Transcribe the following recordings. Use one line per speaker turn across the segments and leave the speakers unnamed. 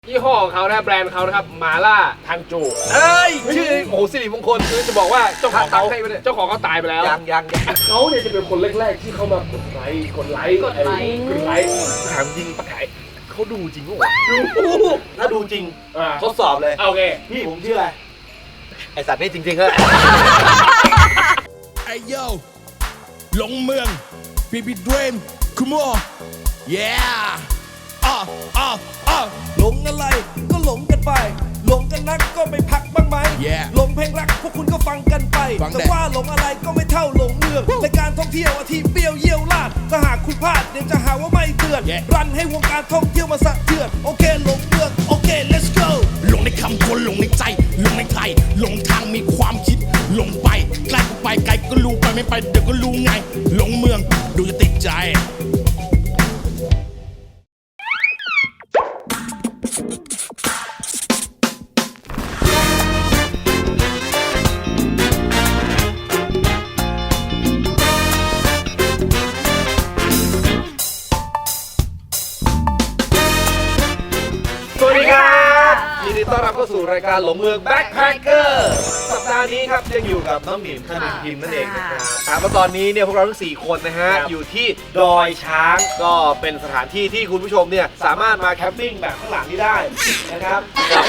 ยี่ห้อของเขานะแบรนด์เขานะครับมาล่าทันจูชื่อโอ้โหสิริมงคลคือจะบอกว่าเจ้าของเขาตายไปแล้ว
ยัง
เขาเนี่ยจะเป็นคนแรกๆที่เขามากดไลค์
ถามจริงปะไก่เขาดูจริงปะวะถ้าดูจริงทดสอบเลย
โอเค
พี่ผมชื่ออะไรไอสัตว์นี่จริงๆเหรอ
ไอโยหลงเมืองบีบีดรีมคุโมเย้หลงอะไรก็หลงกันไปหลงกันนักก็ไม่พักบ้างไหมหลงเพลงรักพวกคุณก็ฟังกันไปแต่ว่าหลงอะไรก็ไม่เท่าหลงเมืองรายการท่องเที่ยวอาทิตย์เบี้ยวเยี่ยวลาดถ้าหากคุณพลาดเดี๋ยวจะหาว่าไม่เตือนรันให้วงการท่องเที่ยวมาสะเทือนโอเคหลงเมืองโอเค let's go หลงในคำคนหลงในใจหลงในใครหลงทางมีความคิดหลงไปใกล้ก็ไปไกลก็รู้ไปไม่ไปเดี๋ยวก็รู้ไงหลงเมืองดูจะติดใจ
ยินดีต้อนรับเข้าสู่รายการหลงเมืองแบ็คแพคเกอร์สัปดาห์นี้ครับยังอยู่กับน้องหนิมคณินพิมพ์นั่นเองนะครับว่าตอนนี้เนี่ยพวกเราทั้ง4คนนะฮะอยู่ที่ดอยช้างก็เป็นสถานที่ที่คุณผู้ชมเนี่ยสามารถมาแคมปิ้งแบบข้างหลังนี้ได้นะครับ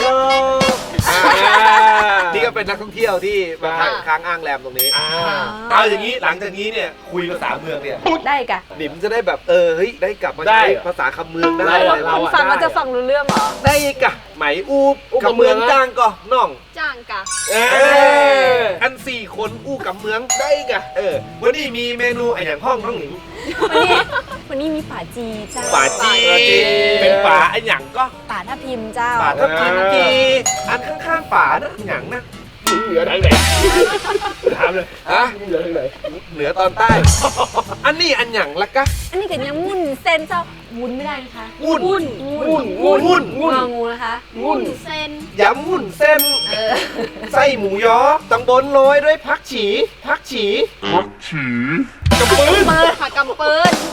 นี่ก็เป็นนักท่องเที่ยวที่มาค้างอ้างแรมตรงนี้เอาอย่างนี้หลังจากนี้เนี่ยคุยภาษาเมืองเนี่ย
ได้กะ
หนิมจะได้แบบเฮ้ยได้กลับมาใช้ภาษาคำเมืองได้
คุณฟังมันจะฟังรู้เรื่องเหรอ
ได้กะไหมอู้กับเมืองจ้างก็น้อง
จ้างกะ
อัน4คนอู้กับเมืองได้กะวันนี้มีเมนูอย่างห้องน้องหนิง
วันนี้มีป่าจีเจ้า
ป่าจีเป็นป่าอันอย่างก็
ป่าทับทิมเจ้า
ป่าทับทิมจีอันข้างๆป่านะอย่างนะ
เหนือทางไหนถามเลยเหนือทางไหน
เหนือตอนใต้อันนี้อันอย่างละกะ
อันนี้ก็ยังงุ่นเส้นเจ้าวุ้นไม่ได้นะคะ
งุ่น
งูนะคะงุ่นเส้น
ยำงุ่นเส้นไส้หมูยอตังบนโรยด้วยผักฉีกำปืน
ผักกำปืน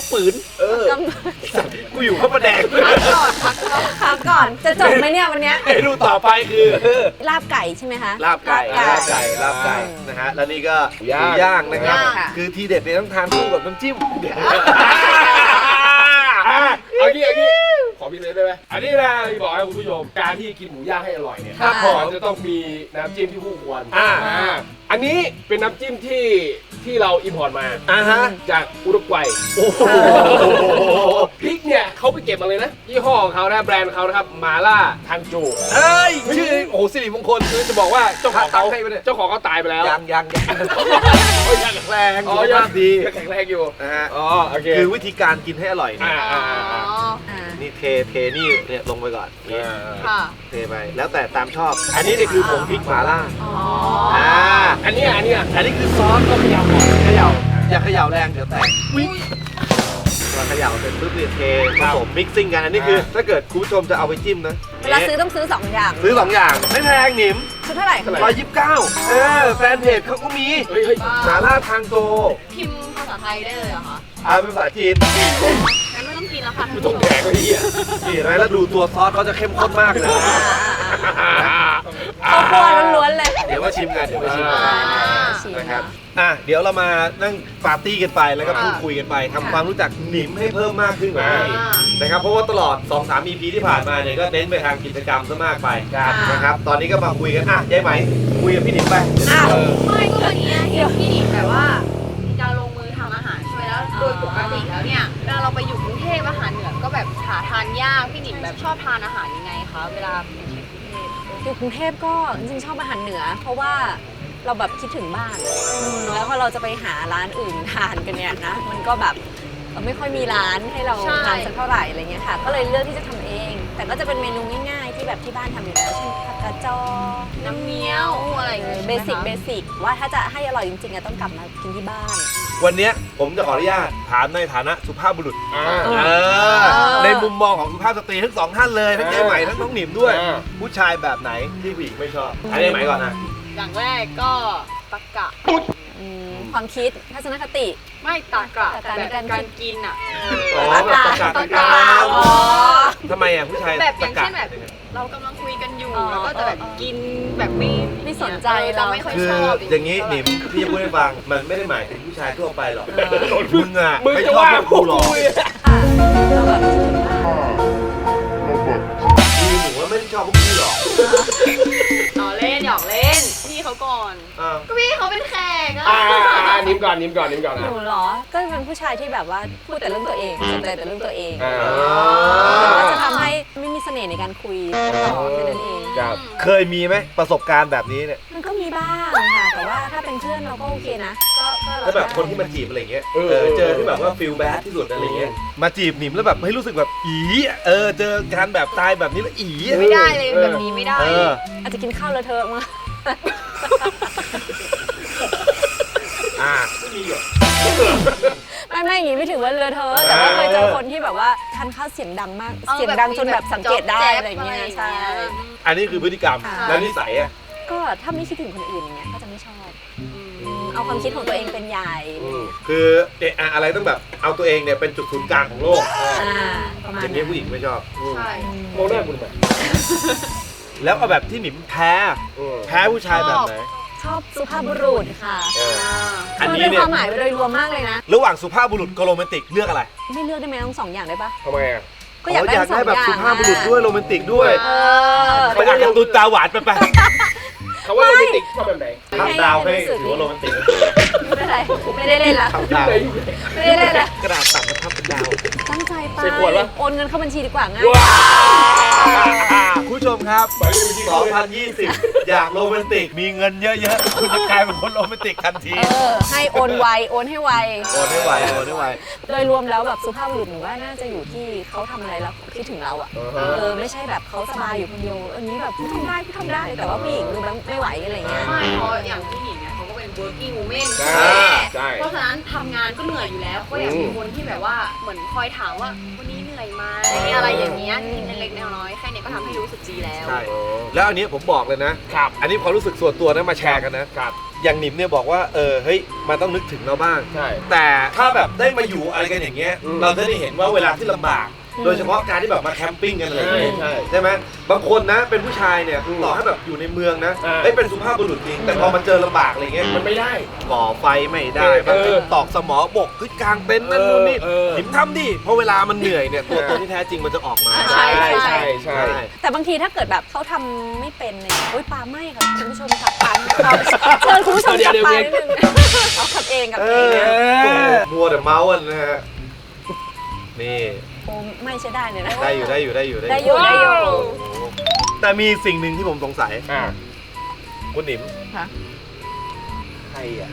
กูอยู่ข้าวปลาแดง
พักก่อนจะจบไหมเนี่ยวันนี้
เมนูต่อไปคือ
ลาบไก่ใช่ไหมคะ
ลาบไก่นะฮะแล้วนี่ก็หมูย่างนะครับคือทีเด็ดเนี่ยต้องทานคู่กับน้ำจิ้ม
เอางี้ขอพี่เลยได้ไหมอันนี้นะที่บอกให้คุณผู้ชมการที่กินหมูย่างให้อร่อยเนี่ยมันจะต้องมีน้ำจิ้มที่คู่ควรอันนี้เป็นน้ำจิ้มที่เราอิมพอร์ตมาจากอุรุกวัยพริกเนี่ยเขาไปเก็บมาเลยนะยี่ห้อของเขานะแบรนด์เขานะครับมาล่าทันจูชื่อโอ้โหสิริมงคลคือจะบอกว่าเจ้าของเขาตายไปแล้ว
ยัง
แข็งแรง
ดี
แข็งแรงอยู่
นะฮะคือวิธีการกินให้อร่อยนี่เทนี่เนี่ยลงไปก่อนเทไปแล้วแต่ตามชอบอันนี้เนี่ยคือผงพริกหม่าล่า
อันนี้
คือซอสก็เขย่าก่อนอย่าเขย่าแรงเดี๋ยวแตกเราเขย่าเสร็จปุ๊บเนี่ยเทผสมมิกซิ่งกันอันนี้คือถ้าเกิดคุณผู้ชมจะเอาไปจิ้มนะ
เวลาซื้อต้องซื้อ2 อย่าง
ไม่แพงหนิม
คือเท่าไหร่
129แฟนเพจเขาก็มีหม่าล่าทางโต
พิมพ์ภาษาไทยได้เลยเหรอคะ
เป็นภาษาจีน
งั้นไม่ต้องกินแล้วค่ะ
ไม่ต้องแดกเลย
นี่นะแล้วดูตัวซอสเขาจะเข้มข้นมากเลย
ข้าวคั่วล้วนๆเลย
เดี๋ยวมาชิมกันนะครับเดี๋ยวเรามานั่งปาร์ตี้กันไปแล้วก็พูดคุยกันไปทำความรู้จักหนิมให้เพิ่มมากขึ้นกว่านี้นะครับเพราะว่าตลอด 2-3 EP ที่ผ่านมาเนี่ยก็เน้นไปทางกิจกรรมซะมากไปนะครับตอนนี้ก็มาคุยกันยายไหมคุยกับพี่หนิมไป
ไม่ก็วันนี้เดี๋ยวพี่หนิมแบบว่าจะลงมือทำอาหารช่วยแล้วโดยปกติแล้วเนี่ยเวลาเราไปอยู่กรุงเทพอาหารเหนือก็แบบหาทานยากพี่หนิมแบบชอบทานอาหารยังไงคะเวลาอยู่กรุงเทพก็จริงๆชอบอาหารเหนือเพราะว่าเราแบบคิดถึงบ้านแล้วพอเราจะไปหาร้านอื่นทานกันเนี่ยนะมันก็แบบไม่ค่อยมีร้านให้เราทานสักเท่าไหร่อะไรเงี้ยค่ะก็เลยเลือกที่จะทำเองแต่ก็จะเป็นเมนูง่ายๆที่แบบที่บ้านทำอยู่แล้วเช่นผักกระจอน้ำเงี้ยวอะไรเบสิกว่าถ้าจะให้อร่อยจริงๆต้องกลับมากินที่บ้าน
วันนี้ผมจะขออนุญาตถามในฐานะสุภาพบุรุษในมุมมองของสุภาพสตรีทั้ง2 ท่านเลยทั้งเจ๊ใหม่ทั้งน้องหนิมด้วยผู้ชายแบบไหนที่ผู้หญิงไม่ชอบอันนี้ใหม่ก่อนนะ
อย่างแรกก็ตะกะ
ความคิดทัศนคติ
ไม่ตากระแต่แบบการกินอ่ะ
อ๋อแบบตะกาตะกา
อ๋อ
ทำไมอ่ะผู้ชาย
แบบอย่าง
ตะกะ
เช่นแบบเรากำลังคุยกันอยู่
อ๋อ
แล้วก็จะแบบกินแบบไม่
สนใจ
เราไม่ค่อย
คือ
ชอบ
อย่างนี้หนิมพี่จะพูดให้ฟังมันไม่ได้หมายถึงผู้ชายทั่วไปหรอกมึงอ่ะ
มึง
ไม่
จะ
ชอบ
ว่า
พวก
พว
กู
ก
หรอก
กูเนี่ย
เราแบบ
คือหนูว่าไม่ได้ชอบพวกพี่หรอก
หยอกเล่นหยอกเล่นพี่เขาก่อน
อ้าว
ก็พี่เขาเป็นแขกอะ
นิ้มก่อนอ่ะ
หนูเหรอ ก็เป็นผู้ชายที่แบบว่าพูดแต่เรื่องตัวเองสนใจแต่เรื่องตัวเอง ก็จะทำให้ไม่มีเสน่ห์ในการคุยต่อแค่นั้นเอง
ครับ
เคยมีไหมประสบการณ์แบบนี้เนี่ย
มันก็มีบ้างค่ะ แต่ว่าถ้าเป็นเพื่อนเราก็โอเคนะ ก็
แล้วแบบคนที่มาจีบอะไรเงี้ยเจอที่แบบว่าฟีลแบดที่สุดอะไรเงี้ยมาจีบหนิมแล้วแบบให้รู้สึกแบบอีเจอการแบบตายแบบนี้แล้วอี
ไม่ได้เลยแบบนี้ไม่ได้
อาจจะกินข้าวเลอะเทอะมา
ไม่มีหรอก
ไม่อย่างงี้ไม่ถือว่าเลอะเทอะแต่ว่าเคยเจอคนที่แบบว่าทานข้าวเสียงดังมาก เสียงดังจนแบบสังเกตได้อะไรอย่างเงี้ยใช่
อันนี้คือพฤติกรรม
ค่ะ
แล้วนิสัยอ่ะ
ก็ถ้าไม่คิดถึงคนอื่นอย่างเงี้ยก็จะไม่ชอบเอาความคิดของตัวเองเป็นใหญ่
คืออะไรต้องแบบเอาตัวเองเนี่ยเป็นจุดศูนย์กลางของโลก
ประมาณ
อย่าง
นั้
นี้
น
ผู้หญิงไม่ชอบ
ใช่
มองหน้ากูทำไม
แล้วเอาแบบที่หนิมแพ้ผู้ชายแบบไหน
ชอบสุภาพบุรุษค่ะ
อัน
คือ
นี้
เป็น
เนี่
ควาย มหมายโดยรวมมากเลยนะ
ระหว่างสุภาพบุรุษกับโรแมนติกเลือกอะไร
ไม่เลือกได้ไหมทั้งสองอย่างได้ปะ
ทำไมอ่ะ
ก็อยากได้ทั้งสอง
แบบ
อย่าง
สุภาพบุรุษด้วยโรแมนติกด้วย
เอ
ไปอ่านการ์ตูนตาหวานไป
เขาว่าโรแมนติกชอบแบบไหน
ทำดาวให้ถือว่าโรแมนติก
ไม่เป็นไรไม่ได้เล่นละ
ทำดาว
ไม่ได้เล่นละ
กระดาษตัดมาทับเป็นดาว
ตั้งใจไป
ใส่ขวดวะ
โอนเงินเข้าบัญชีดีกว่าง่าย
คุณผู้ชมครับ 2020 อยากโรแมนติก มีเงินเยอะๆ คุณจะกลายเป็นคนโรแมนติกทันที
ให้โอนไวโอนให้ไว
โอนไม่ไหวโอนไม่ไหว
โดยรวมแล้วแบบสุภาพบุรุษหนูว่าน่าจะอยู่ที่เขาทำอะไรแล้วคิดถึงเราอ่ะไม่ใช่แบบเขาสบายอยู่คนเดียวอันนี้แบบพี่ทำได้แต่ว่าผู้หญิงดูแบบไม่ไหวอะไรเงี้ย
ไม่เพราะอย่างผู้หญิงเนี่ยเขาก็เป็น working woman
ใช่
เพราะฉะนั้นทำงานก็เหนื่อยอยู่แล้วก็อยากมีคนที่แบบว่าเหมือนคอยถามว่าวันนี้เหนื่อยไหมอะไรอย่างเงี้ยกินเล็กๆน้อยๆแค่นี้ก็ทำให้รู้สึกดีแล้ว
ใช่ แล้วอันนี้ผมบอกเลยนะ อันนี้ความรู้สึกส่วนตัวนะมาแชร์กันนะ อย่างหนิมเนี่ยบอกว่าเฮ้ยมันต้องนึกถึงเราบ้าง
ใช่
แต่ถ้าแบบได้มาอยู่อะไรกันอย่างเงี้ย เราจะได้เห็นว่าเวลาที่ลำบาก โดยเฉพาะการที่แบบมาแคมปิ้งกันอะไรอย่างเงี้ย ใช่ไหมบางคนนะเป็นผู้ชายเนี่ยต่อให้แบบอยู่ในเมืองนะเป็นสุภาพบุรุษจริงแต่พอมาเจอลำบากอะไรเงี้ย
มันไม่ได้
ก่อไฟไม่ได้มันตอกสมอบกขึ้นกลางเต็นท์นั่นนู่นนี่หนิมทำดิเพราะเวลามันเหนื่อยเนี่ยตัวตนที่แท้จริงมันจะออกมา
ใช่ แต่บางทีถ้าเกิดแบบเขาทำไม่เป็นเนี่ยโอ๊ยปาไม่ค่ะคุณผู้ชมขับปาเชิญคุณผู้ชมขับปานิดนึงเอาขับเองกับเองนะ
มัวแต่เมาส์กันนะฮะนี่
โอ้ไม่ใช่ได้เลยนะ
ได้อยู่
ได้อยู่
แต่มีสิ่งหนึ่งที่ผมสงสัย
อ่า
คุณหนิม
ค่ะ
ใครอ่ะ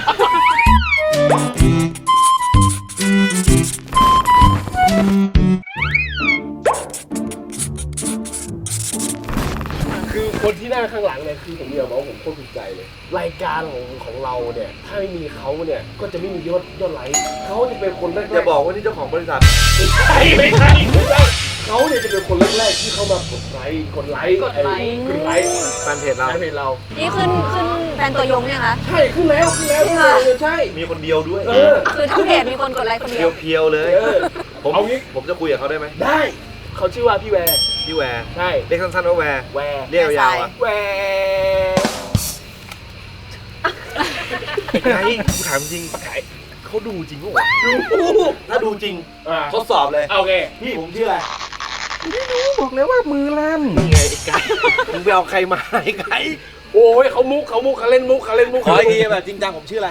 คือคนที่นั่งข้างหลังเนี่ยคือผมเดียวบอกว่าผมโคตรถูกใจเลย รายการของเราเนี่ยถ้าไม่มีเขาเนี่ยก็จะไม่มียอดไลค์เขาจะเป็นคนแรกๆ
อย่าบอกว่านี่เจ้าของบริษัท
ไม่ใช่เขาเนี่ยจะเป็นคนแรกๆที่เข้ามากดไลค์กดไลค์
แฟนเพจเรา
ในเพจเรา
นี่ขึ้นแฟนตัวยงยังคะ
ใช่ขึ้นแล้วใช่
มีคนเดียวด้วย
คือทั้งเพจมีคนกดไลค์คนเดียว
เพียวๆเลย
เอางี้
ผมจะคุยกับเขาได้ไหม
ได้เขาชื่อว่าพี่แวร์
พี่แวร์
ใช่
เรียกสั้นๆว่าแวร์
แวร์
เรียกยาวๆอ่ะ
แวร์
ไงกูถามจริงปะไก่เขาดูจริงปะวะถ้าดูจริงทดสอบเลย
โอเค
พี่ผมชื่ออะไร
บอกเลยว่ามือลั่น
นี่ไงไอ้ไก่มึงไปเอาใครมาไอ้ไก่
โอ้ยเขาเล่นมุก
ขออีกทีแบบจริงจังผมชื่ออะไร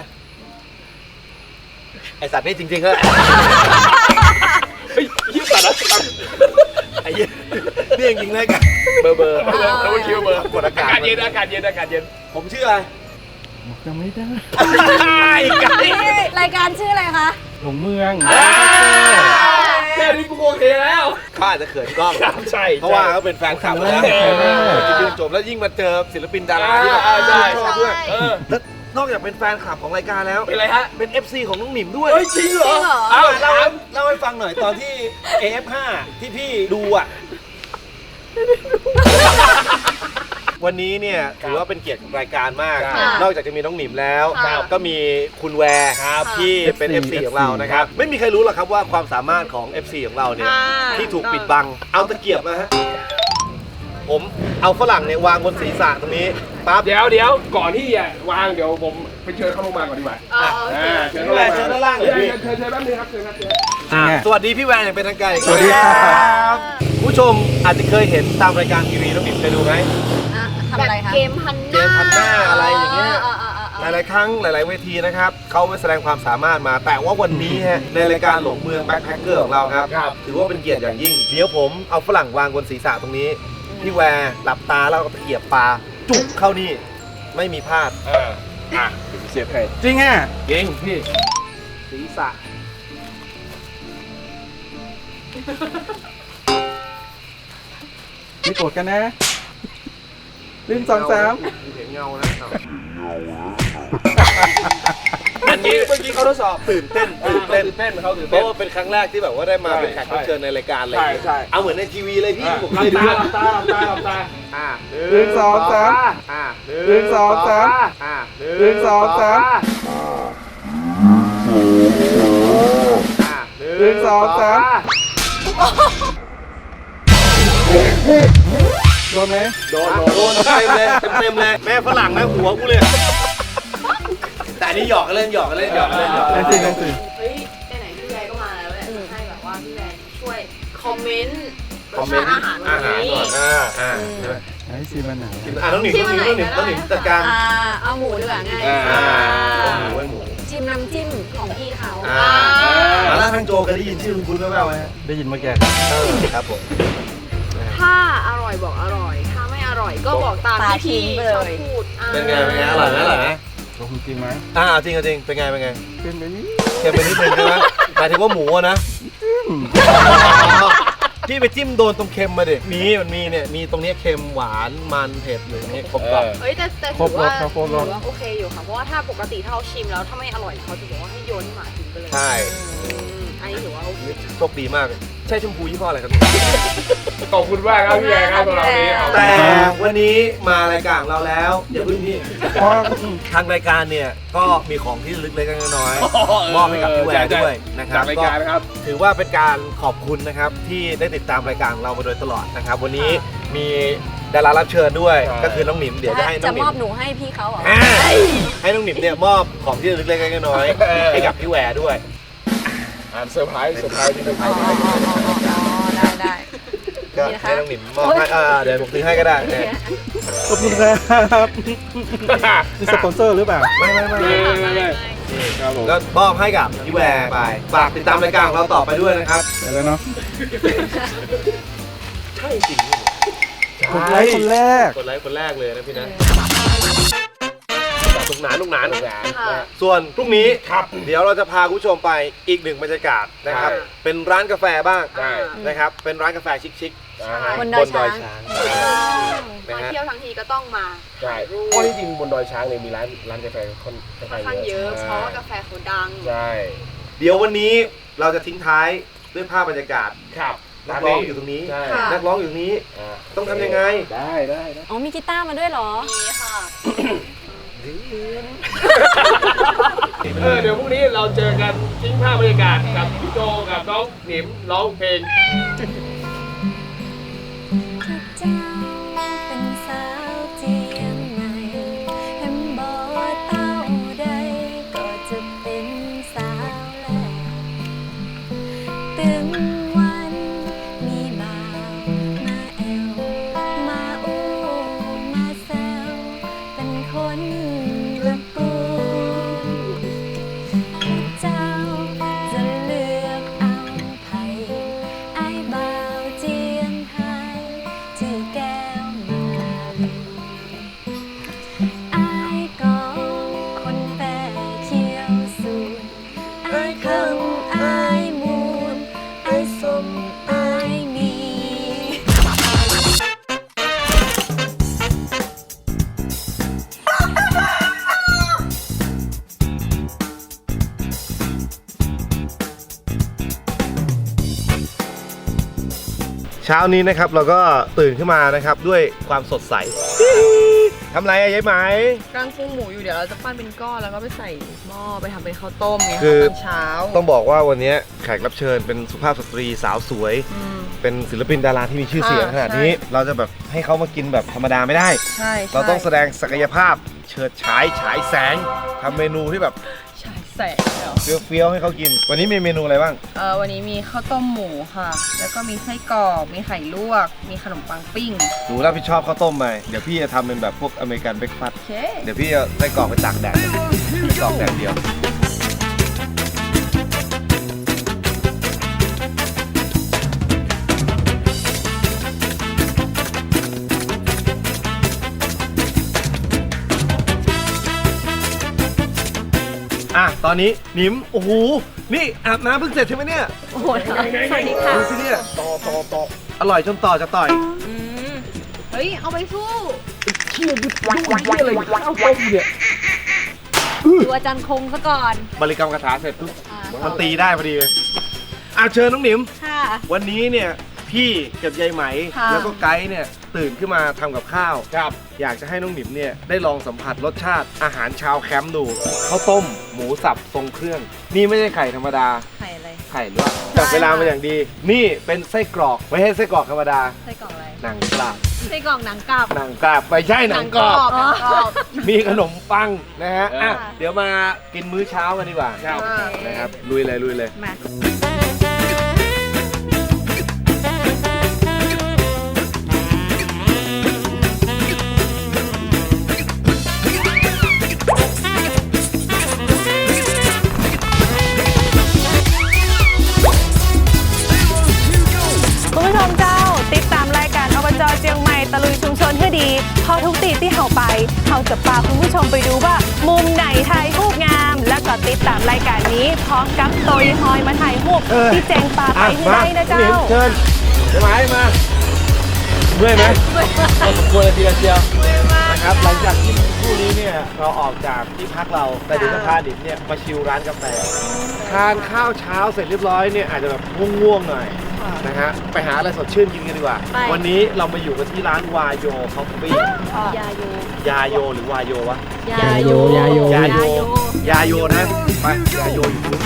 ไอสัตว์นี่จริงๆเหรอ
เฮ้ยยี่สัตว์นะ
ไอ้เหี้ยเรื่องจริงเลยกัน
เบอร์แล้วมันคิดว่าเบอร์
กดอากาศ
เย็น
ผมชื่ออะไร
จำไม่ได้
ไอ้ไก่
รายการชื่ออะไรคะ
หลงเมืองแค่นี้กูโอเคแล้ว
เขาอาจจะเขินกล้อง
ใช่
เพราะว่าเขาเป็นแฟนคลับแล้วจนจบแล้วยิ่งมาเจอศิลปินดาราที่แบบชอบด้วยแล้วนอกจากเป็นแฟนคลับของรายการแล้ว
เป็นไรฮะ
เป็น FC ของน้องหนิมด้วย
เฮ้ยจริงเหรอ
เอาเล่าให้ฟังหน่อยตอนที่ AF5 ที่พี่ดูอ่ะ ววันนี้เนี่ยถือว่าเป็นเกียรติกับรายการมาก
ค่ะ
นอกจากจะมีน้องหนิมแล้ว
ครับ
ก็มีคุณแวร์ที่เป็น FC ของเรานะครับไม่มีใครรู้หรอกครับว่าความสามารถของ FC ของเราเนี่ยที่ถูกปิดบังเอาตะเกียบมาฮะผมเอาฝรั่งเนี่ยวางบนศีรษะตรงนี้ปั๊บ
เดี๋ยวก่อนที่จะวางเดี๋ยวผมไปเชิญเขาลงมาก่อนดีกว่า เชิญ
พี่แวร์เชิญด้านล่างเลยพี่
เชิญแป๊บนึงครับเชิญครับเชิญ
สวัสดีพี่แวร์อย่างเป็นทางการอีก
สวัสดีครับ
ผู้ชมอาจจะเคยเห็นตามรายการทีวีน้องหนิมเคยดูไหม
ทำอะไรคะ
เกมพันห
เกมพันหน้าอะไรอย่างเงี้ย
อ่า
หลายๆครั้งหลายๆเวทีนะครับเขาไปแสดงความสามารถมา แต่ว่าวันนี้ฮะในรายการหลงเมืองแบ็คแพคเกอร์ของเราครับถือว่าเป็นเกียรติอย่างยิ่งเดี๋ยวผมเอาฝรั่งวางบนศีรษะตรงนี้พี่แวร์หลับตาแล้วก็ตะเกียบปลาจุกเข้านี่ไม่มีพลาด
เสียบให้
จริงอ่ะ
เก่งพี่
ศีรษะ
ไม่โกรธกันนะ1 2 3
เห็นเงานะอันนี้เมื่อกี้เขาทดสอบตื่นเต้น
เขาตื่น
เพ
เต้น
ราะว่าเป็นครั้งแรกที่แบบว่าได้มาเป็นแขกรับเชิญในรายการเลย
ใช่
เอาเหมือนในทีวีเลยพี่ผม
หลั
เค
บ
ยดู
ตาหลับตา
1 2 3 1 2 3 1 2 3 1 2 3โดนไหม
โดนเต็มเลยแม่ฝรั่งนะหัวกูเลยแต่อันนี้หยอกกันเล่น
เล่นสิ
เฮ้ยไหนๆพี่แวร์ก็มาแล้วแหละให้แบบว่าพี่แวร์ช่วยคอมเมนต์รสชาติอาหารวันนี้
ก่อนใช่ไหม
ไอ้ซีมันหนาว
น้องหนิมจัดการ
เอาหมูดีกว่าง่าย
หมู
ชิมน้ำจิ้มของพี่เขา
แล้วทางโจเคยได้ยินชื่อคุณแว่วๆไหม
ได้ยินเมื่อกี้
ครับผม
ถ้าอร่อยบอกอร่อย ถ้าไม่อร่อยก็บอกตามที่พี่ชอบพูด
เป็นไงอร่อยไหม
ลงจริงไหม
จริงเป็นไง
เป็นไปนี่
เค็มไปนิดนึงใช่ไหมหมายถึงว่าหมูนะ พี่ไปจิ้มโดนตรงเค็มมาดิมันมีเนี่ยมีตรงนี้เค็มหวานมันเผ็ดอยู่ตรงนี้ครบก่อน
เฮ้ยแต่
คร
ถื
บ
อ
ร
ว่า
สครับครบรส
โอเคอยู่ค่ะเพราะว่าถ้าปกติถ้าเขาชิมแล้วถ้าไม่อร่อยเขาจะบอกว่าให้โยนให้หมากินไปเลย
ใช่
อันนี้ถือว่าโอเค
โชคดีมากใช่ชมพูยี่ห้ออะไรครับ
ขอบคุณมากครับพี่แวร์ครับสำหรับวันนี้
แต่วันนี้มารายการของเราแล้วอย่าเพิ่งพี่
เพราะ
ทางรายการเนี่ยก็มีของที่ระลึกเล็กๆน้อยๆมอบให้กับพี่แหวนด้วยนะครั
จา
บ
กรายการนะครับ
ถือว่าเป็นการขอบคุณนะครับที่ได้ติดตามรายการของเรามาโดยตลอดนะครับ วันนี้มีดารารับเชิญด้วย
ใช่
ก็คือน้องหนิมเดี๋ยวจะให้น้
จะ
องหนิ
ม
ม
อบหนูให้พี่เขาเหรอ
ให้น้องหนิมเนี่ยมอบของที่ระลึกเล็กๆน้อยๆให้กับพี่แหวร์ด้วย
เซอร์ไพรส์ที่เซอร์ไพรส์
ได้
ก็ให้น้องหนิมมอบให้เดี๋ยวผมซื้อให้ก็ได้
ขอบคุณครับนี่สปอนเซอร์หรือเปล่า
ไม่
ครับผม
ก็มอบให้กับพี่แหวร์ไปฝากติดตามรายการของเราต่อไปด้วยนะครับ
เดี๋ยวแล้วเนาะ
ใช่จริง
คนไลค์คนแรก
กดไลค์คนแรกเลยนะพี่นะลูกหนาน
ค่ะ
ส่วนพรุ่งนี้ครับเดี๋ยวเราจะพาคุณผู้ชมไปอีกหนึ่งบรรยากาศนะครับ เป็นร้านกาแฟบ้าง
ใช่
นะครับ เป็นร้านกาแฟชิค
บน
ๆ
ดอยช้าง
ช้าง
มาเที่ยวทั้งทีก็ต้องมา
ใช่เพราะที่จริงบนดอยช้างเนี่ยมีร้านกาแฟค่อน
ค่อนข้างเยอะเพราะว่ากาแฟเขาดัง
ใช่
เดี๋ยววันนี้เราจะทิ้งท้ายด้วยภาพบรรยากาศ
ครับ
นักร้องอยู่ตรงนี้
ใช่
ค่ะ
นักร้องอยู่ตรงนี้ ต้องทำยังไง
ได้
อ๋อมีกีตาร์มาด้วยเหรอ
มีค่ะ
เดี๋ยวพรุ่งนี้เราเจอกันทิ้งภาพบรรยากาศกับพี่โจกับน้องหนิมร้องเพลง
เจ้าเป็นสาวเจียงใหม่เห็นบ่เต้าใดก็จะเป็นสาวแล้วตึงวันมีบ่าวมาแอวมาอู้มาแซวเป็นคนละกูเจ้าจะเลือกเอาไผไอ้บ่าวเจียงไฮ้ชื่อแก้วมาไอ้กองคนแปรเขียวสูนไอ้คำไอ้มูลไอ้สมไอ้มี
ชเช้านี้นะครับเราก็ตื่นขึ้นมานะครับด้วยความสดใสทำไรอะยายไหม
กำลังปรุงหมูอยู่เดี๋ยวเราจะปั้นเป็นก้อนแล้วก็ไปใส่หม้อไปทำเป็นข้าวต้มไง
คือ
ตอนเช้า
ต้องบอกว่าวันนี้แขกรับเชิญเป็นสุภาพสตรีสาวสวย เป็นศิลปินดาราที่มีชื่อเสียงขนาดนี้ เราจะแบบให้เขามากินแบบธรรมดาไม่ได้
ใช่
เราต้องแสดงศักยภาพเฉิดฉายฉายแสงทำเมนูที่แบบ
ใช่แสงเดี๋ยว
เฟี้ยวๆให้เขากิน วันนี้มีเมนูอะไรบ้าง
วันนี้มีข้าวต้มหมูค่ะ แล้วก็มีไส้กรอกมีไข่ลวก มีขนมปังปิ้ง
หนูรับผิดชอบข้าวต้มไปเดี๋ยวพี่จะทำเป็นแบบพวกอเมริกันเบรคฟาสต์
โอเค
เดี๋ยวพี่จะไส้กรอกไปตากแดดไส้กรอกแดดเดียวตอนนี้หนิมโอ้โหนี่อาบน้ำเพิ่งเสร็จใช่ไหมเนี่ย
โอ้โหสวัสดีค่ะ
ดูสิเนี่ยต่ออร่อยจนต่อจะต่อย
เฮ้ย เอาไปสู้
เชี่ยดูอะไรข้าวต้มเนี่ย
ดูอาจารย์คงซะก่อน
บริกรรมคาถาเสร็จปุ๊บมันตีได้พอดีเลยเชิญน้องหนิม
ค่ะ
วันนี้เนี่ยพี่กับยายไหม
ค่ะ
แล้วก็ไกด์เนี่ยตื่นขึ้นมาทำกับข้าว
ครับ
อยากจะให้น้องหนิมเนี่ยได้ลองสัมผัสรสชาติอาหารชาวแคมป์ดูข้าวต้มหมูสับทรงเครื่อง นี่ไม่ใช่ไข่ธรรมดา
ไข่อะไร
ไข่ลวกจับเวลามาอย่างดี นี่เป็นไส้กรอกไม่ใช่ไส้กรอกธรรมดา
ไส้กรอกอะไร
หนังกรอบ
ไส้กรอกหนังกลับ
หนังกรอบไม่ใช่หนังกรอบ
หนังกรอบ
มีขนมปังนะฮะ
อ่ะ
เดี๋ยวมากินมื้อเช้ากันดีกว่า
ครับ
นะครับลุยเลย
มา
คุณผู้ชมเจ้าติดตามรายการอบจเจียงใหม่ตะลุยชุมชนให้ดีพอทุกตีที่เฮาไปเฮาจะพาคุณผู้ชมไปดูว่า มุมไหนถ่ายรูปงาม แล้วก็ติดตามรายการนี้พร้อมกับโตยฮอยมาถ่ายรูปที่เจงปาไปให้ได้นะเจ้า
เชิญจะมาให้มาเมื่อยไหมพอสมควรเลยทีเดียวนะครับหลังจากที่คู่นี้เนี่ยเราออกจากที่พักเราแต่เดี๋ยวจะพาดิบเนี่ยมาชิลร้านกาแฟทานข้าวเช้าเสร็จเรียบร้อยเนี่ยอาจจะแบบง่วงๆหน่อยนะฮะไปหาอะไรสดชื่นกินกันดีกว่า
ไป
วันนี้เรามาอยู่กันที่ร้านวายโยคอฟฟี่
ยาโย
ยาโยหรือวายโยวะ
ยาโย
ยาโย
ยาโย
ยาโยนะไปยาโยอยู่นู้น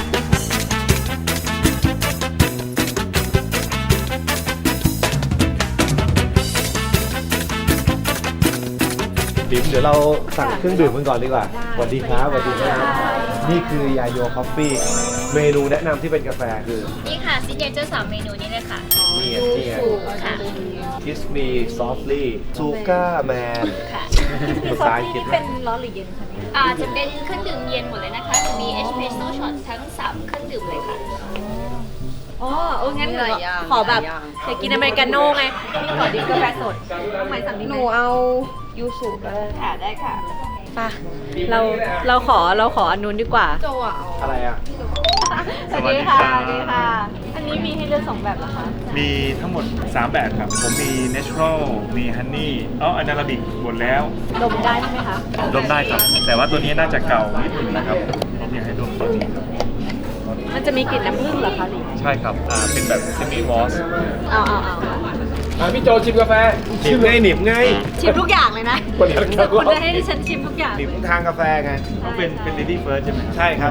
ดิมเดี๋ยวเราสั่งเครื่องดื่มกันก่อนดีกว่าสวัสดีครับสวัสดีครับนี่คือยาโยคอฟฟี่เมนูแนะนำที่เป็นกาแฟคือ
นี่ค่ะซิกเนเจอร์3เมนูนี้เลยค่ะ
นี่ไง
ค่ะ
Kiss Me Softly Suga Man
ค่ะ
ภาษาอังกฤษ
เป็นร้อนหรือเย็นคะเนี่ย
จะเป็นเครื่องดื่มเย็นหมดเลยนะคะจะมีเอสเปรสโซ่ช็อตทั้ง3เครื่องดื่มเลยค่ะ
อ๋องั้น
มีหลายอย่าง
ขอแบบ
หลายอย่าง
อยากกินอเมริกาโน่ไงนี่ขอดิ้งกาแฟสดทำไมสั่งดิ้ง
หนูเอายูสุก็ได้ค่ะได้ค่ะ
ป่ะเราขออันนู้นดีกว่า
โจอ่ะเอา
อะไรอ่ะ
สวัสดีค่ะสวัสดีค่ะ อันนี้มีให้เลือก2แบบเหรอคะ
มีทั้งหมด 3 แบบครับ ผมมี natural มี honey อันนาราบิกหมดแล้ว
ดมได้ไหมคะ
ดมได้ครับ แต่ว่าตัวนี้น่าจะเก่านิดนึงนะครับ ผมอยากให้ดมตัวนี้ครับ
มันจะมีกลิ่นน้ำผึ้งเหรอคะหรือ
ใช่ครับ เป็นแบบ semi moss
เอา
พี่โจชิมกาแฟ
หนิมไงหนิมไง
ชิมทุกอย่างเลยนะ
คนเดียวกัน
คุณจะให้ดิฉันชิมทุกอย่าง
หนิมทางกาแฟไง
ต้องเป็น lady first ใช่ไหม
ใช่ครับ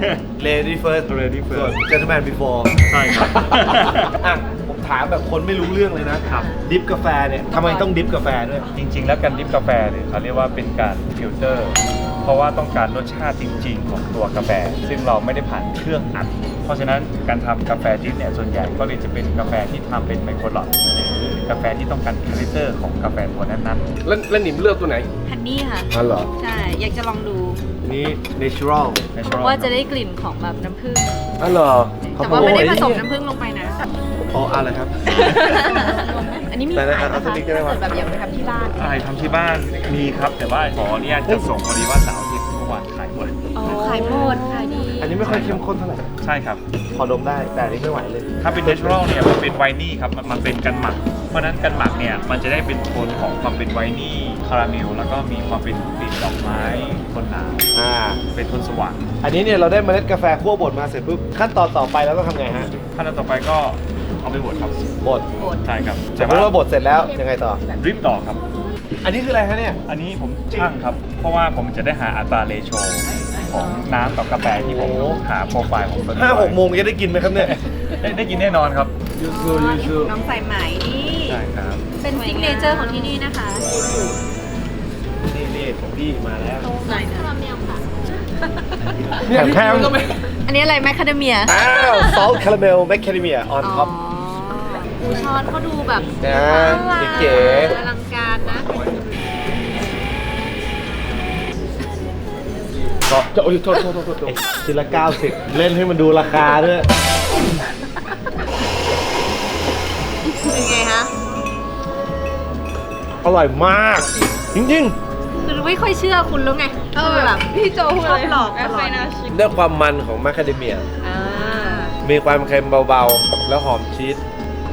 Lady First
Lady first
Gentleman Before
ใช่ครับ
อ่ะผมถามแบบคนไม่รู้เรื่องเลยนะครับ ดิฟกาแฟเนี่ยทำไมต้องดิฟกาแฟด้วย
จริงๆ แล้วการดริฟกาแฟเนี่ยเขาเรียกว่าเป็นการฟิลเตอร์ เพราะว่าต้องการรสชาติจริง ๆ ของตัวกาแฟ ซึ่งเราไม่ได้ผ่านเครื่องอัด เพราะฉะนั้นการทำกาแฟดริฟเนี่ยส่วนใหญ่ก็เลยจะเป็นกาแฟที่ทำเป็นไมโครลอตหรือกาแฟที่ต้องการคาแรคเตอร์ของกาแฟตัวนั้นๆ
แล้วหนิมเลือกตัวไหน
ฮันนี่ค่ะ
อ๋อเหรอ
ใช่ อยากจะลองดู
นี่ natural
ว่าจะได้กลิ่นของแบบน้ำผึ้ง
อ๋อเหรอ
แต่ว่าไม่ได้ผสมน้ำผึ้งลงไปนะ
อ๋ออะไรครับ
อันนี้มี
แต่
ขาย
เอา
นะ
ส
คะ
ติ๊กได้ไหมวะ
แบบอยากไปทำที่บ้าน
อะไรทำที่บ้านมีครับ แต่ว่าขออนุญาตจะส่งพอดีว่าเสาร์อาทิตย์เมื่อวานขายหมด
อ๋อขายหมดขายดี
อันนี้ไม่ค่อยเข้มข้นเท่าไหร่
ใช่ครับ
พอดมได้ แต่อันนี้ไม่ไหวเลย
ถ้าเป็น natural เนี่ยมันเป็นไวนี่ครับมันเป็นกันหมัก เพราะฉะนั้นกันหมักเนี่ยมันจะได้เป็นโทนของความเป็นไวนี่คาราเมลแล้วก็มีความเป็นกลิ่นดอกไม้โทนหนาว เป็นโทนสว่าง
อันนี้เนี่ยเราได้เมล็ดกาแฟคั่วบดมาเสร็จปุ๊บขั้นตอนต่อไปเราต้องทำไงฮะ
ขั้นตอนต่อไปก็เอาไปบดครับ
บด
ใช่ครับ
สมมติว่าบดเสร็จแล้วยังไงต่อ
ดริปต่อครับ
อันนี้คืออะไรคะเนี่ย
อันนี้ผมช่างครับ เพราะว่าผมจะได้หาอัตราเรโชของน้ำกับกาแฟที่ผมหาโปรไฟล์ของตัวนี้
5-6 โมงจะได้กินไหมครับเนี่ย
ได้กินแน่นอนครับ
ยูซูยูซู
น้องใส่ไหมนี่
ใช่ครับ
เป็นซิกเนเจอร์ของที่นี่นะคะ
นี่ของพี่มาแล้ว
ไหนนะ
คาราเมลค่ะ
เนี่ยพี่คิวก็ไม่
อันนี้อะไรแมคคาเดเมีย
อ้าวซอลคาราเมลแมคคาเดเมียออนท็อป
อูช้อนเขาดูแบบ
นะ เก๋
อลังการนะ
ก็จะโอ้ยโทษ
ๆทีละ90 เล่นให้มันดูราคาด้วย
เป็นไงคะ
อร่อยมาก จริง
คือไม่ค่อยเชื่อคุณแล้วไงแบบพี่โจพูดอะไรหลอกตลอด
ๆด้วยความมันของแมคคาเดเมีย
อ่า
มีความเค็มเบาๆ แล้วหอมชีส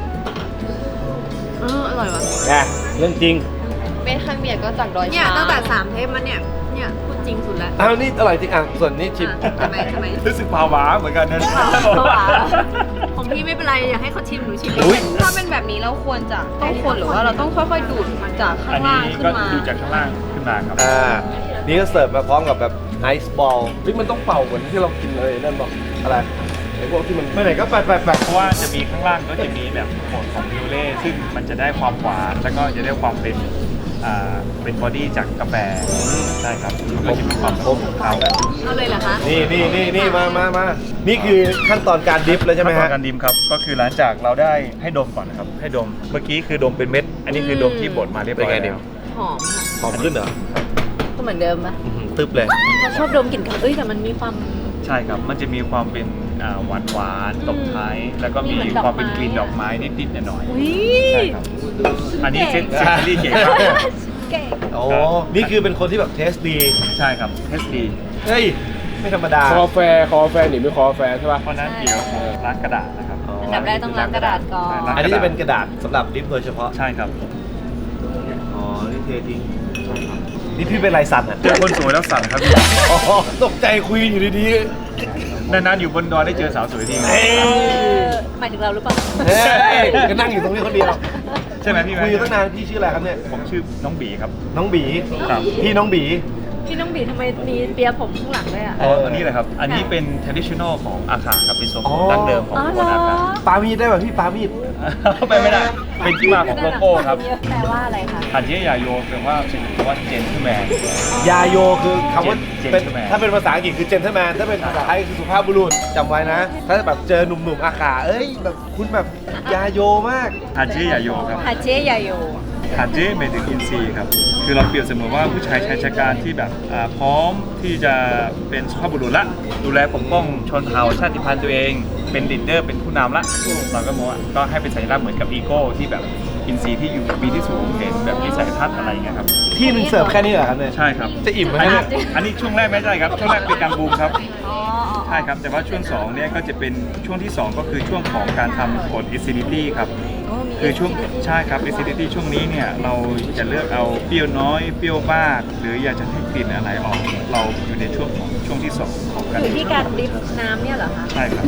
อร่อยว่ะ
นะเรื่องจริง
เมคาเมียก็จากดอย
เนี่ย
ช้าง
ตั้งแต่3 เทปมันเนี่ยพูดจริงสุดแล้ว
อ้าวนี่อร่อยจริงอ่ะ ส่วนนี้ชิม
ทำไม
รู้สึกภาวะเหมือนกันนะ
ของพี่ไม่เป็นไรอยากให้เขาชิมหนูชิม
อุ๊ย
ถ้าเป็นแบบนี้เราควรจะต้องคนหรือว่าเราต้องค่อยๆดูดมาจากข้า
อั
ง
น
ล่า
นี้
งขึ้
ก็
นมา
ดูจากข้างล่างขึ้นมาครับ
นี่ก็เสิร์ฟมาพร้อมกับแบบไอซ์บอล
เฮ้ยมันต้องเป่าเหมือนที่เรากินเลยนั่นบอก
อะไร
ไอ้พวกที่มัน
ไปไหนก็ไป
เพราะว่าจะมีข้างล่างก็จะมีแบบโหมดของพิวเล่ซึ่งมันจะได้ความหวานแล้วก็จะได้ความเป็นบอดี้จากกาแฟใช่ครับแล้วก็จะมีความข้นของเขาแบบ
เอาเลยเหรอคะ
นี่มานี่คือขั้นตอนการดิฟเลยใช่ไหม
ขั้นต
ฮะ
อนการดิมครับก็คือหลังจากเราได้ให้ดมก่อนนะครับให้ดมเมื่อกี้คือดมเป็นเม็ด อันนี้คือดมที่บดมาเรียบร้อย
เป็นไงดิ
แล้ว
หอมค่ะ
หอมขึ้นเหรอ
ก็เหมือนเดิมปะ
ตึ๊บเลย
เราชอบดมกลิ่นเขาแต่มันมีความ
ใช่ครับมันจะมีความเป็นหวานตบท้ายแล้วก็มี
เหมือนดอกไม้
ความเป็นกลิ่นดอกไม้นิดๆหน่อย
อุ้ย
ๆใช่ครับอันนี้เซนซิลี่เก๋มาก
เก่ง
โอ้นี่คือเป็นคนที่แบบเทสดี
ใช่ครับเทสดี
เฮ้ย ไม่ธรรมดา
คอแฟหนิไม่คอแฟใช่ป่ะ
เพราะฉะนั้นเดี๋ยวผมล้างกระดาษนะครับ
อันดับแรกต้องล้างกระดาษก่อน
อันนี้จะเป็นกระดาษสำหรับดิฟโดยเฉพาะ
ใช่ครับ
อ๋อ นี่เททิ้งนี่พี่เป็นไรสั่นอ่ะ
เจอคนสวยแล้วสั่นครับ
อ๋อ ตกใจคุยอยู่ดี
นานๆอยู่บนดอยได้เจอสาวสวยที
ๆเฮ้ย
หมายถึงเราหรือเปล่า
เฮ้ยก็นั่งอยู่ตรงนี้คนเดียว
ใช่ไหมพี่
คุยอยู่ตั้งนานพี่ชื่ออะไรครับเนี่ย
ผมชื่อน้องบีครับ
น้องบี
ครับ
พี่น้องบี
พี่น้องบีทำไมมีเปียผมข้างหลังด้วยอ่ะ
อันนี้แหละครับ อันนี้เป็น traditional ของอาขาครับเป็นทรง
อ๋อ
ดั้งเดิมของคนอาขา
ปามีดได้ป่ะพี่ปามีด
ไปไม่ได้ เป็นที่มาของโลโก้ครับ
แปลว่าอะไรคะ
อันที่ยาโยแปลว่าเป็นคำว่า gentleman
ยาโยคือคำว่า
Gentleman
เป็นถ้าเป็นภาษาอังกฤษคือ gentleman ถ้าเป็นภาษาไทยคือสุภาพบุรุษจำไว้นะ ถ้าแบบเจอหนุ่มๆอาขาเอ้ยแบบคุณแบบยาโยมาก
อันที่ยาโยครับ
ฮาเจยาโย
ฮาเจหมายถึงอินซีย์ครับ คือเราเปรียบเสมือนว่าผู้ชายชายชะการที่แบบพร้อมที่จะเป็นสุภาพบุรุษละ ดูแลปกป้องชนเผ่าชาติพันธุ์ตัวเอง เป็นลีดเดอร์เป็นผู้นำละ เราก็มองว่าก็ให้เป็นสัญลักษณ์เหมือนกับอีโก้ที่แบบอินซีย์ที่อยู่ปีที่สูงเห็นแบบวิสัยทัศน์อะไรอย่างเงี้ยครับ
ที่หนึ่งเสิร์ฟแค่นี้เหรอครับเนี่ย
ใช่ครับ
จะอิ่มไหม
อัน
เนี่
นี้
ย
อันนี้ช่วงแรกไม่ใช่ครับ ช่วงแรกเป็นการบูมครับ
อ๋อ
ใช่ครับ แต่ว่าช่วง2เนี่ยก็จะเป็นช่วงที่ 2 ก็คือช่วงของการทำกฎ acidity ครับ คือช่วงใช่ครับ acidity ช่วงนี้เนี่ยเราจะเลือกเอาเปรี้ยวน้อยเปรี้ยวมาก หรืออยากจะให้กลิ่นอะไรออก เราอยู่ในช่วงของช่วงที่ 2 ของการ
อยู่ที่การดริฟน้ำเนี่ยเหรอคะ
ใช่ครับ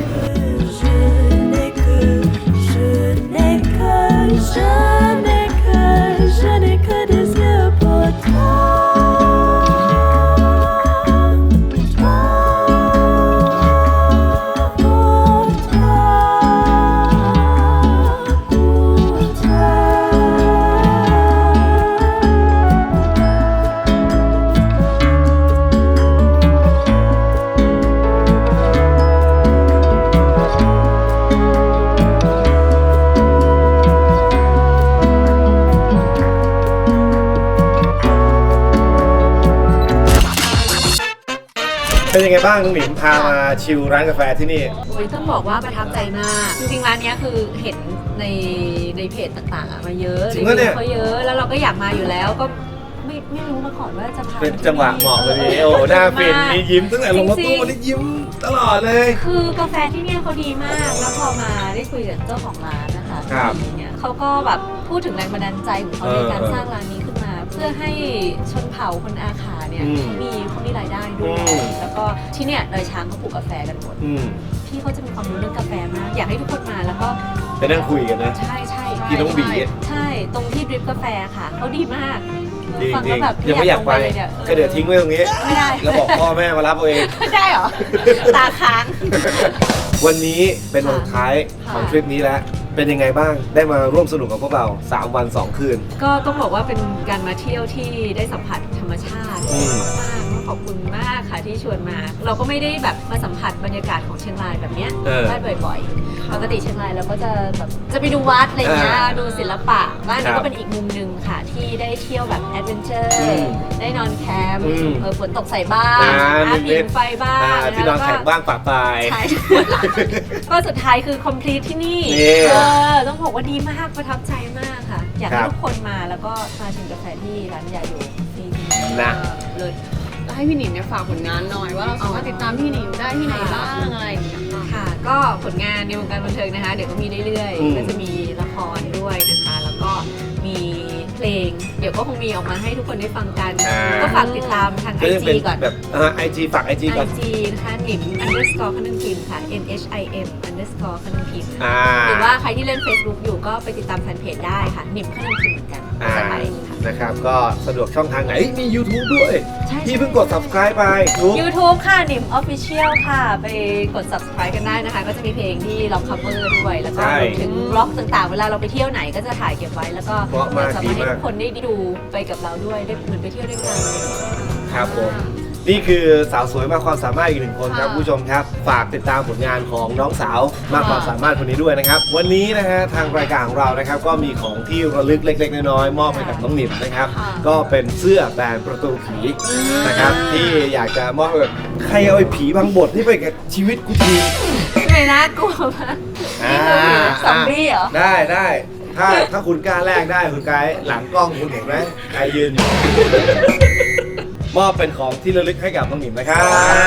Je n'ai que des yeux pour toi. Pour toi, pour toi.
เป็นยังไงบ้างน้องหนิมพามาชิลร้านกาแฟที่นี่
โอ้ยต้องบอกว่าประทับใจมาก จริงๆร้านเนี้ยคือเห็นในเพจต่างๆอะมาเยอะ
จริงปะเนี่ย
เขาเยอะแล้วเราก็อยากมาอยู่แล้วก็ไม่รู้มาก่อนว่าจะพา
เป็นจังหวะเหมาะพอดีโอ้หน้าฟินมียิ้มตั้งแต่ลงรถตู้วันนี้ยิ้มตลอดเลย
คือกาแฟที่เนี่ยเขาดีมาก แล้วพอมาได้คุยกับเจ้าของร้านนะคะ
ครับ
อย่างเงี้ยเขาก็แบบพูดถึงแรงบันดาลใจของเขาในการสร้างร้านนี้ขึ้นมา เพื่อให้ชนเผ่าคนอาขาเนี่ย
อืม
เขามีรายได้ด้วย
อืม
แล้วก็ที่เนี่ยดอยช้างเขาปลูกกาแฟกันหมด
อืม
พี่เขาจะมีความรู้เรื่องกาแฟมาก อยากให้ทุกคนมาแล้วก็
ไปนั่งคุยกันนะ
ใช่ใช่
พี่น้องบี
ใช่ตรงที่ดริปกาแฟค่ะเขาดีมาก
จริง
ฟัง
จริ
แล้ว
ง
แบบ
ยังไม่อยากไป
ลงเนี่ย
ก็เดี๋ยวทิ้งไว้ตรงนี้
ไม่ได้
แล้วบอกพ่อแม่มารับเอาเอง
ไม่ได้เหรอ ตาค้าง
วันนี้เป็นวันสุดท้ายของทริปนี้แล้ว เป็นยังไงบ้าง ได้มาร่วมสนุกกับพวกเรา 3 วัน 2 คืน
ก็ต้องบอกว่าเป็นการมาเที่ยวที่ได้สัมผัสธรรมชาติ
อืม
มากๆขอบคุณมากค่ะที่ชวนมา เราก็ไม่ได้แบบมาสัมผัสบรรยากาศของเชียงรายแบบเนี้ย ได้บ่อยๆ ปกติเชียงรายเราก็จะแบบจะไปดูวัดอะไรเงี้ย ดูศิลปะบ้าน
ครั
นี้
บ
ก็เป็นอีกมุมหนึ่งค่ะ ที่ได้เที่ยวแบบแอดเวนเจอ
อื
ร์
ม
ได้นอนแคมป์
อืม
ฝนตกใส่บ้าง
นิ
ผิ
ด
ง
ๆ
ไฟบ้าง
ที่นอนแข็งบ้างปะปลาย
ใช่ ก็สุดท้ายคือ complete ที่นี่
นี่
ต้องบอกว่าดีมากประทับใจมากค่ะ อยาก
ครั
ให้
บ
ทุกคนมาแล้วก็มาชิมกาแฟที่ร้านยาโยที่
นะ
เลย
แล้วให้พี่หนิงเนี่ยฝากผลงานหน่อยว่าเราสามารถติดตามพี่หนิงได้ที่ไหนบ้างอะไรอย่างเงี้ยค่ะ
ค่ะ ก็ผลงานในวงการบันเทิงนะคะ เดี๋ยวก็มีเรื่อย
อืม
ๆ ก็จะมีละครด้วยนะคะ แล้วก็มีเพลง เดี๋ยวก็คงมีออกมาให้ทุกคนได้ฟังกัน ก็ฝากติดตามทาง
ก็ยัง
IG
เป็น
ก่อน
แบบIG ฝาก IG ก่อน
IG นะคะหนิม underscore ขนึงพิมพ์ค่ะ NHIM underscore ขนึงพิมพ์
อ่า
หรือว่าใครที่เล่น Facebook อยู่ก็ไปติดตามแฟนเพจได้ค่ะหนิมขนึงพิมพ์เหมือนกันภาษาไทยค่ะ
นะครับ ก็สะดวกช่องทางไหน มี YouTube ด้วย
ใช่
พี่เพิ่งกด subscribe ไปทุก
YouTube ค่ะหนิม Official ค่ะ ไปกด subscribe กันได้นะคะ ก็จะมีเพลงที่เรา cover ด้วย แล้วก็
ใช่
รวมถึงบล็อกต่างๆ เวลาเราไปเที่ยวไหนก็จะถ่ายเก็บไว้ แล้วก็
เพราะมาก
จะ
ดี
มาให้
มาก
ทุกคนได้ดูไปกับเราด้วย ได้เหมือนไปเที่ยวด้วยกัน
ครับผม นี่คือสาวสวยมากความสามารถอีกหนึ่งคนครับ
ค่ะ
คุณผู้ชมครับ ฝากติดตามผลงานของน้องสาวมากความสามารถคนนี้ด้วยนะครับ วันนี้นะฮะทางรายการของเรานะครับ ก็มีของที่ระลึกเล็กๆน้อยๆมอบให้กับน้องหนิมนะครับ ก็เป็นเสื้อแบรนด์ประตูผีนะครับ ที่อยากจะมอบให้กับใครเอาไอ้ผีบางบทนี่ไปกับชีวิตกูที
ไม่นะกลัวมาก
อ่า
ซอมบี้เหรอ
ได้ถ้าคุณกล้าแลกได้คุณไกด์หลังกล้องคุณเห็นไหมใครยืนอยู่ มอบเป็นของที่ระลึกให้กับน้องหนิมนะครับ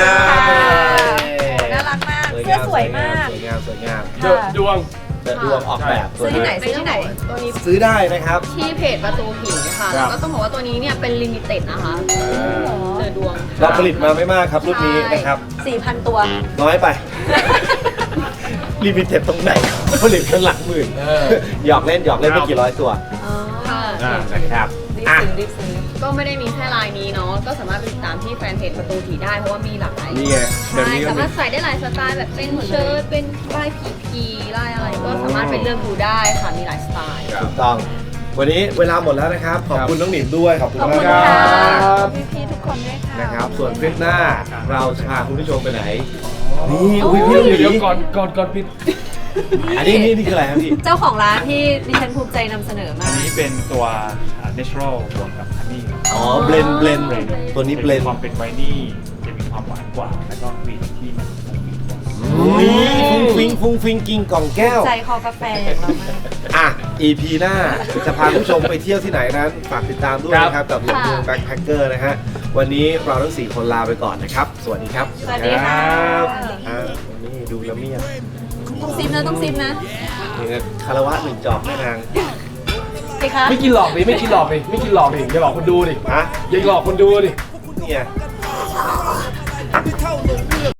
น่ารักมาก เสื้อสวยมาก
สวยงามสวยงาม
ค่ะ
ดวง
เปิดดวงออกแบบ
ซื้อที่ไหนซื้อที่ไหน
ตัวนี้
ซื้อได้นะครับ
ที่เพจประตูผีค่ะ
ครั
แล้
บ
วก็ต้องบอกว่าตัวนี้เนี่ยเป็นลิมิเต็ดนะคะเจอดวง
เราผลิตมาไม่มากครับรุ่นนี้นะครับ
4,000 ตัว
น้อยไป ลิมิเต็ดตรงไหนผลิตกันหลักหมื่นหยอกเล่นไม่กี่ร้อยตัว
อ๋อ
ค่ะ
นะครับ
รีบ
อ่ะ
ซื้อรีบซื้อ
ก็ไม่ได้มีแค่ลายนี้เนาะ ก็สามารถไปติดตามที่แฟนเพจประตูผีได้เพราะว่ามีหลากหลาย
นี่ไงแบบ
ใช่
นี้ก็
สา
มี
มารถใส่ได้หลายสไตล์แบบเป็นเชิ้ตเป็นลายผีลายอะไรก็สามารถไปเลือกดูได้ค่ะ มีหลายสไตล์
ถูกต้อง วันนี้เวลาหมดแล้วนะครับ ขอบคุณน้องหนิมด้วย ขอบคุณ
ขอบ
มาก
คุณ
ค
ค่ะ
รับ
พี่ๆทุกคนด้วยค่ะ
นะครับ ส่วนคลิปหน้าเราจะพาคุณผู้ชมไปไหน นี่อุ้ยพี่
เดี๋ยว
หมี
ก่อนปิด
อันนี้นี่คืออะไรครับพี่
เจ้าของร้านที่ดิฉันภูมิใจนำเสนอมา
อัน
ก
นี้เป็นตัว natural บวกกับ honey
อ๋อเบลนตัวนี้เบลน
ความเป็นไวนี่จะมีความหวานกว่า แล้วก็กลิ่นที่มันฟุ้งฟิ้งกว่า
ฟุ้งฟิงกิงกล่องแก้ว
ใจคอกาแฟอย่างเรามาก
อ่ะ EP หน้าจะพาคุณผู้ชมไปเที่ยวที่ไหนนั้น ฝากติดตามด้วยนะครับ กับหลงเมืองแบ็คแพคเกอร์นะฮะ วันนี้เราทั้ง 4 คนลาไปก่อนนะครับ สวัสดีครับ
สวัสดีค่ะ
อ่าวันนี้ดูละเมียด
ต้องซิมนะต้องซิมนะ
นี่นะคารวะหนึ่งจอบแม่นาง
สิคะ
ไม่กินหลอกดิไม่กินหลอกดิไม่กินหลอกดิอย่าหลอกคนดูดิ
ฮะ
อย่าหลอกคนดูดิ
เนี่ย
ไม่เท่าหลงเมือง